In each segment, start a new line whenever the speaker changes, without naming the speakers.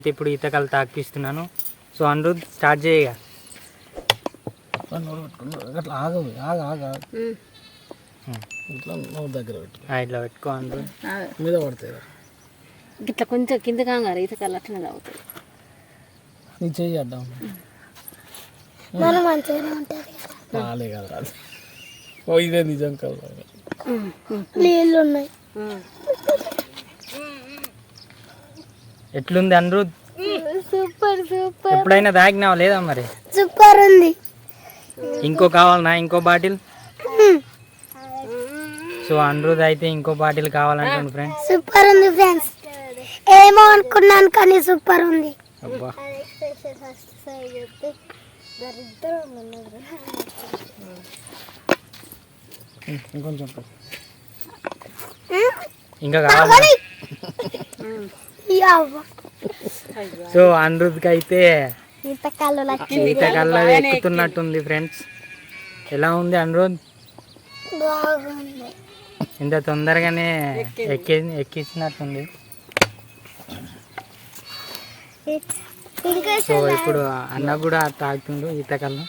ఇప్పుడు ఈతకాలు తాకిపిస్తున్నాను. సో అనిరుద్ స్టార్ట్ చేయగా
అట్లా ఆగవు ఇట్లా నోరు దగ్గర పెట్టు,
ఇట్లా పెట్టుకో అనిరుద్,
మీద పడతాయి
ఇట్లా కొంచెం కింద కాగారు ఈతకాలు అట్లనే తాగుతాయి.
నీ చెయ్యి అడ్డాం రాలే కదా రాదు. ఓ ఇదే నిజం కాదు,
నీళ్ళు ఉన్నాయి.
ఎట్లుంది అనిరుద్?
Super super.
ఎప్పుడైనా తాగినావా లేదా మరి?
సూపర్ ఉంది.
ఇంకో కావాలనా? ఇంకో బాటిల్? సో అనిరుద్ అయితే ఇంకో బాటిల్ కావాలంటుంది ఫ్రెండ్స్.
సూపర్ ఉంది ఫ్రెండ్స్, ఏమో అనుకున్నాను కానీ సూపర్ ఉంది.
అబ్బా
ఇంకొంచెం
ఇంకా కావాలి. సో అనిరుద్కి అయితే ఈతకాల్లో ఎక్కుతున్నట్టుంది ఫ్రెండ్స్. ఎలా ఉంది అనిరుద్? ఇంత తొందరగానే ఎక్కించినట్టుంది. సో ఇప్పుడు అన్న కూడా తాగుతుండు ఈతకాల్లో.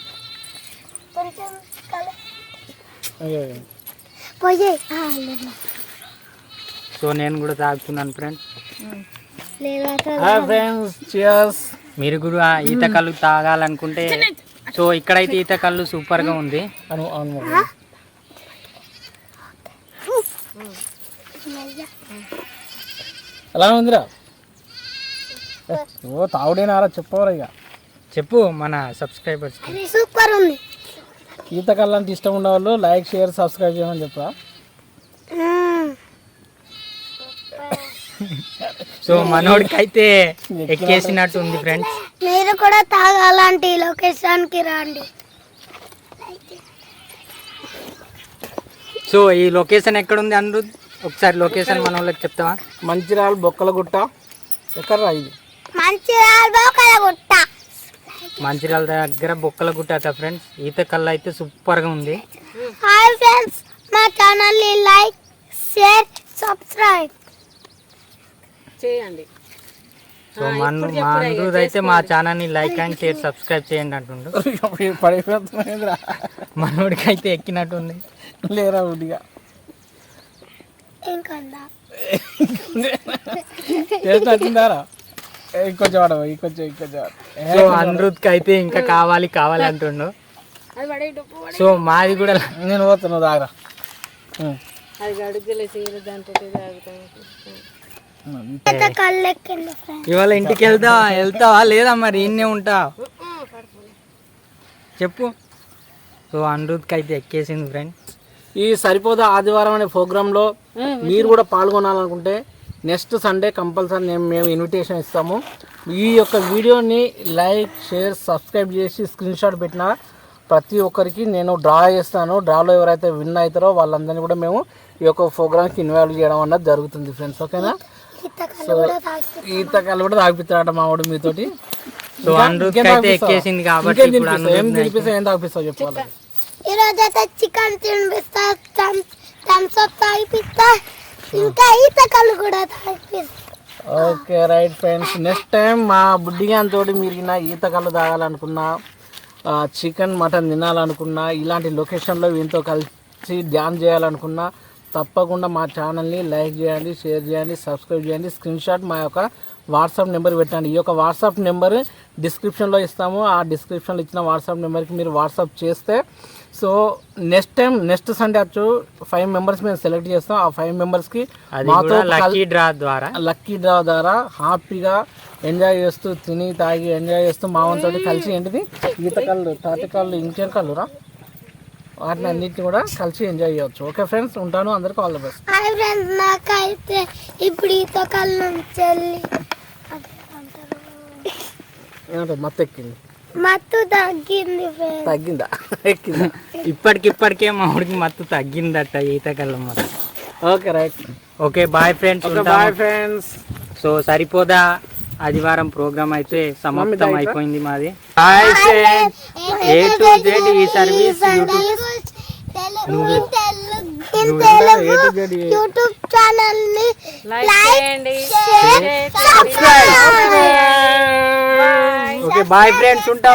సో నేను కూడా తాగుతున్నాను ఫ్రెండ్స్. మీరు కూడా ఈతకల్లు తాగాలనుకుంటే సో ఇక్కడైతే ఈతకల్లు సూపర్ గా ఉంది.
ఎలా ఉందిరా? ఓ తాగుడేనారా చెప్పవరా? ఇక
చెప్పు మన సబ్స్క్రైబర్స్.
సూపర్ ఉంది.
ఈతకల్లు అంటే ఇష్టం ఉన్న వాళ్ళు లైక్ షేర్ సబ్స్క్రైబ్ చేయమని చెప్పరా.
సో మనోడికి అయితే ఎక్కేసినట్టు ఉంది ఫ్రెండ్స్.
మీరు కూడా తాగాలంటే లొకేషన్ కి రండి.
సో ఈ లొకేషన్ ఎక్కడ ఉంది అనిరుద్? ఒకసారి లొకేషన్ మన వాళ్ళకి చెప్తావా?
మంచిర్యాల బొక్కలగుట్ట. ఎక్కడరా ఇది?
మంచిర్యాల బొక్కలగుట్ట.
మంచిర్యాల దగ్గర బొక్కలగుట్ట ఫ్రెండ్స్. ఈతకల్లు అయితే సూపర్ గా ఉంది.
హాయ్ ఫ్రెండ్స్, మా ఛానల్ ని లైక్ షేర్ సబ్స్క్రైబ్ చేయండి.
సో మా అనిరుద్ అయితే మా ఛానల్ ని లైక్ అండ్ షేర్ సబ్స్క్రైబ్ చేయండి అంటుండు. మనోడికి అయితే ఎక్కినట్టుంది.
లేరా ఉడిగా చేసినట్టుందారా? ఇంకొంచెం వాడవు, ఇంకొంచెం
సో అనిరుద్కి అయితే ఇంకా కావాలి కావాలి అంటుండు. సో మాది కూడా
నేను పోతున్నావు దాగరా.
ఇవాళ ఇంటికి వెళ్తావా లేదా మరి ఇన్నే ఉంటావు? చెప్పు. సో అనిరుద్కి అయితే ఎక్కేసింది ఫ్రెండ్.
ఈ సరిపోదా ఆదివారం అనే ప్రోగ్రాంలో మీరు కూడా పాల్గొనాలనుకుంటే నెక్స్ట్ సండే కంపల్సరీ మేము ఇన్విటేషన్ ఇస్తాము. ఈ యొక్క వీడియోని లైక్ షేర్ సబ్స్క్రైబ్ చేసి స్క్రీన్ షాట్ పెట్టిన ప్రతి ఒక్కరికి నేను డ్రా చేస్తాను. డ్రాలో ఎవరైతే విన్ అవుతారో వాళ్ళందరినీ కూడా మేము ఈ యొక్క ప్రోగ్రామ్కి ఇన్వాల్వ్ చేయడం అన్నది జరుగుతుంది ఫ్రెండ్స్. ఓకేనా? సో ఈతకాలు కూడా తాగిపిస్తాడట మా వాడు మీతోటి.
సో అనిరుద్కి అయితే ఎక్కేసింది కాబట్టి
ఏం తినిపిస్తావు, ఏం తాగిపిస్తావు చెప్పాలి.
ఈరోజైతే చికెన్ తినిపిస్తా, థమ్స్ అప్ తాగిపిస్తా, ఇంకా ఈతకాలు కూడా తాగిపిస్తా.
Okay right friends. Next time మా బుడ్డిగాంతో మీరు ఈతకాలు తాగాలనుకున్నా, చికెన్ మటన్ తినాలనుకున్నా, ఇలాంటి లొకేషన్లో వీటితో కలిసి డ్యాన్స్ చేయాలనుకున్నా తప్పకుండా మా ఛానల్ని లైక్ చేయండి, షేర్ చేయండి, సబ్స్క్రైబ్ చేయండి. స్క్రీన్ షాట్ మా యొక్క వాట్సాప్ నెంబర్ పెట్టండి. ఈ యొక్క వాట్సాప్ నెంబర్ డిస్క్రిప్షన్లో ఇస్తాము. ఆ డిస్క్రిప్షన్లో ఇచ్చిన వాట్సాప్ నెంబర్కి మీరు వాట్సాప్ చేస్తే సో నెక్స్ట్ సండే వచ్చు 5 మెంబర్స్ మేము సెలెక్ట్ చేస్తాం. ఆ 5 మెంబర్స్కి మాతో లక్కీ డ్రా ద్వారా హ్యాపీగా ఎంజాయ్ చేస్తూ తిని తాగి ఎంజాయ్ చేస్తూ మా వంతో కలిసి ఏంటిది ఈతకాళ్ళు తాటికాళ్ళు ఇంకేం కళ్ళురా వాటిని అన్నింటినీ కూడా కలిసి ఎంజాయ్ చేయవచ్చు. ఓకే ఫ్రెండ్స్, ఉంటాను. అందరికీ all the best.
Hi friends, నాకైతే ఇప్పుడు ఈతకాళ్ళ నుంచి
ఏమంటారు మత్తు ఎక్కింది,
మత్తు తగ్గింది.
తగ్గిందా? ఎక్కిందా?
ఇప్పటికిప్పటికే మా ఊరికి మత్తు తగ్గిందట ఈతకల్లం మరి.
Okay right.
Okay bye friends.
Bye friends.
So సరిపోదా ఆదివారం ప్రోగ్రామ్ అయితే సమాప్తం అయిపోయింది మాది. Hi friends, A to Z ఈ సర్వీస్ యూట్యూబ్
ఛానల్ ని
లైక్ చేయండి
share subscribe
okay bye friends ఉంటాం